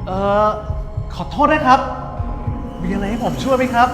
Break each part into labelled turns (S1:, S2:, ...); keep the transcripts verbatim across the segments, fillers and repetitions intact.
S1: เอ่อขอโทษนะครับมีอะไรให้ผมช่วยไหมครับ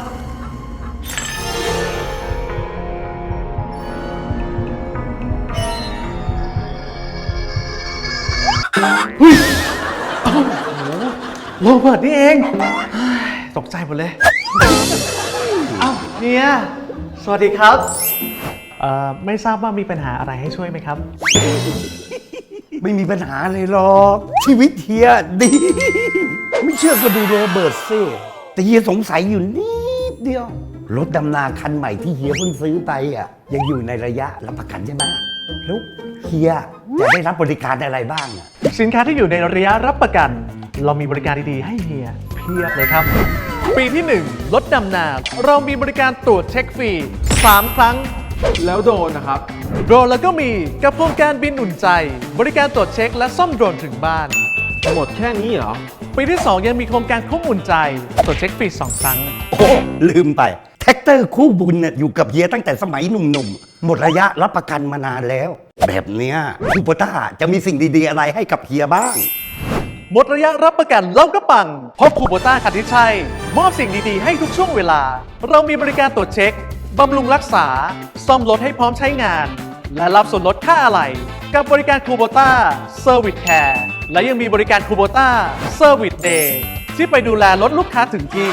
S1: เฮ้ยโอ้โหโรเบิร์ตนี่เองตกใจหมดเลยเอ้าเฮียสวัสดีครับเอ่อไม่ทราบว่ามีปัญหาอะไรให้ช่วยไหมครับ
S2: ไม่มีปัญหาเลยหรอกชีวิตเฮียดีไม่เชื่อก็ดูโรเบิร์ตสิแต่เฮียสงสัยอยู่นิดเดียวรถดำนาคันใหม่ที่เฮียเพิ่งซื้อไปอ่ะยังอยู่ในระยะรับประกันใช่ไหมแล้วเฮียจะได้รับบริการอะไรบ้างอ่ะ
S1: สินค้าที่อยู่ในระยะรับประกันเรามีบริการดีๆให้เฮียเพียบเลยครับปีที่หนึ่งรถดำนาเรามีบริการตรวจเช็คฟรีสามครั้ง
S3: แล้วโดรนนะครับ
S1: โดรนแล้วก็มีกับโครงการบินอุ่นใจบริการตรวจเช็คและซ่อมโดรนถึงบ้าน
S3: หมดแค่นี้เหรอ
S1: ปีที่สองยังมีโครงการคุ้มอุ่นใจตรวจเช็คฟรีสองครั้ง
S2: โอ้ลืมไปแท็กเตอร์คู่บุญเนี่ยอยู่กับเฮียตั้งแต่สมัยหนุ่มๆหมดระยะรับประกันมานานแล้วแบบเนี้ยคูโบต้าจะมีสิ่งดีๆอะไรให้กับเฮียบ้าง
S1: หมดระยะรับประกันเราก็ปังเพราะคูโบต้าคันที่ใช่มอบสิ่งดีๆให้ทุกช่วงเวลาเรามีบริการตรวจเช็คบำรุงรักษาซ่อมรถให้พร้อมใช้งานและรับส่วนลดค่าอะไหล่กับบริการคูโบต้าเซอร์วิสแคร์และยังมีบริการคูโบต้าเซอร์วิสเดย์ที่ไปดูแลรถลูกค้าถึงที่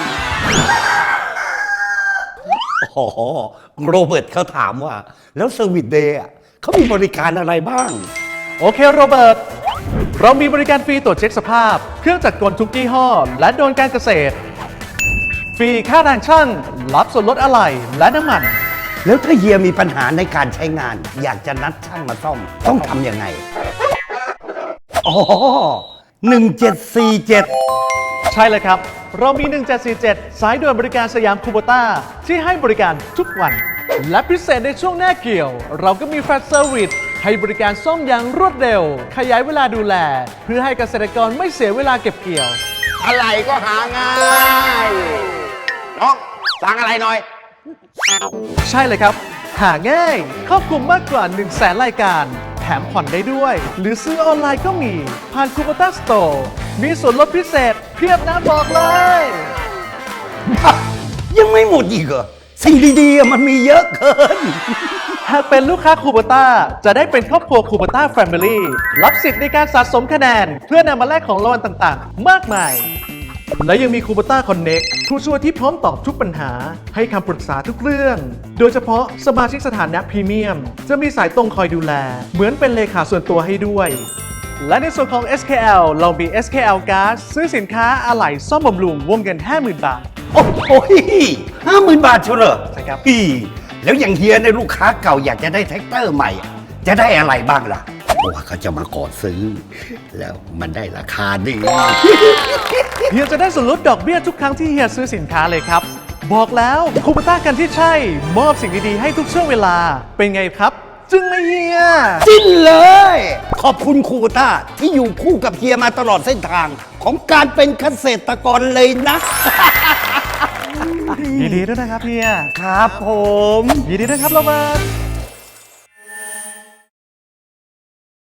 S2: โอ้โหโรเบิร์ตเขาถามว่าแล้วเซอร์วิสเดย์เขามีบริการอะไรบ้าง
S1: โอเคโรเบิร์ตเรามีบริการฟรีตรวจเช็คสภาพเครื่องจักรกลทุกยี่ห้อและโดรนการเกษตรฟรีค่าแรงช่างรับส่วนลดอะไหล่และน้ำมัน
S2: แล้วถ้าเฮียมีปัญหาในการใช้งานอยากจะนัดช่างมาซ่อมต้องทำยังไงอ๋อหนึ่งเจ็ดสี่เจ็ด
S1: ใช่เลยครับเรามีหนึ่งเจ็ดสี่เจ็ดสายด่วนบริการสยามคูโบต้าที่ให้บริการทุกวันและพิเศษในช่วงหน้าเกี่ยวเราก็มีแฟลชเซอร์วิสให้บริการซ่อมอย่างรวดเร็วขยายเวลาดูแลเพื่อให้เกษตรกรไม่เสียเวลาเก็บเกี่ยว
S4: อะไรก็หาง่ายน้องสั่งอะไรหน่อย
S1: ใช่เลยครับหาง่ายครอบคลุมมากกว่า หนึ่งแสน รายการแถมผ่อนได้ด้วยหรือซื้อออนไลน์ก็มีผ่านคูโบต้าสโตร์มีส่วนลดพิเศษเพียบนะบอกเลย
S2: ยังไม่หมดอีกเหรอสิ่งดีๆมันมีเยอะเกิน
S1: หากเป็นลูกค้าคูโบต้าจะได้เป็นครอบครัวคูโบต้าแฟมิลี่รับสิทธิ์ในการสะสมคะแนนเพื่อนำมาแลกของรางวัลต่างๆมากมายและยังมีคูโบต้าคอนเน็กผู้ช่วยที่พร้อมตอบทุกปัญหาให้คำปรึกษาทุกเรื่องโดยเฉพาะสมาชิกสถานะพรีเมียมจะมีสายตรงคอยดูแลเหมือนเป็นเลขาส่วนตัวให้ด้วยและในส่วนของ เอส เค แอล เรามี เอส เค แอล Card ซื้อสินค้าอะไหล่ซ่อมบำรุงวงเงิน ห้าหมื่น บาท
S2: โอ้โหห้าหมื่นบาทเชียวเหรอ
S1: ใช่ครับ
S2: พี่แล้วอย่างเฮียในลูกค้าเก่าอยากจะได้แท็กเตอร์ใหม่จะได้อะไรบ้างล่ะเพราะว่าเขาจะมาขอซื้อแล้วมันได้ราคาดี
S1: เฮียจะได้ส่วนลดดอกเบี้ยทุกครั้งที่เฮียซื้อสินค้าเลยครับบอกแล้วคูโบต้ากันที่ใช่มอบสิ่งดีๆให้ทุกช่วงเวลาเป็นไงครับจึงไหมเฮีย
S2: จิ้นเลยขอบคุณคูโบต้าที่อยู่คู่กับเฮียมาตลอดเส้นทางของการเป็นเกษตรกรเลยนะ
S1: ยินดีด้วยนะครับเฮีย
S2: ครับผม
S1: ยินดีด้วยครับโรเบิร์ต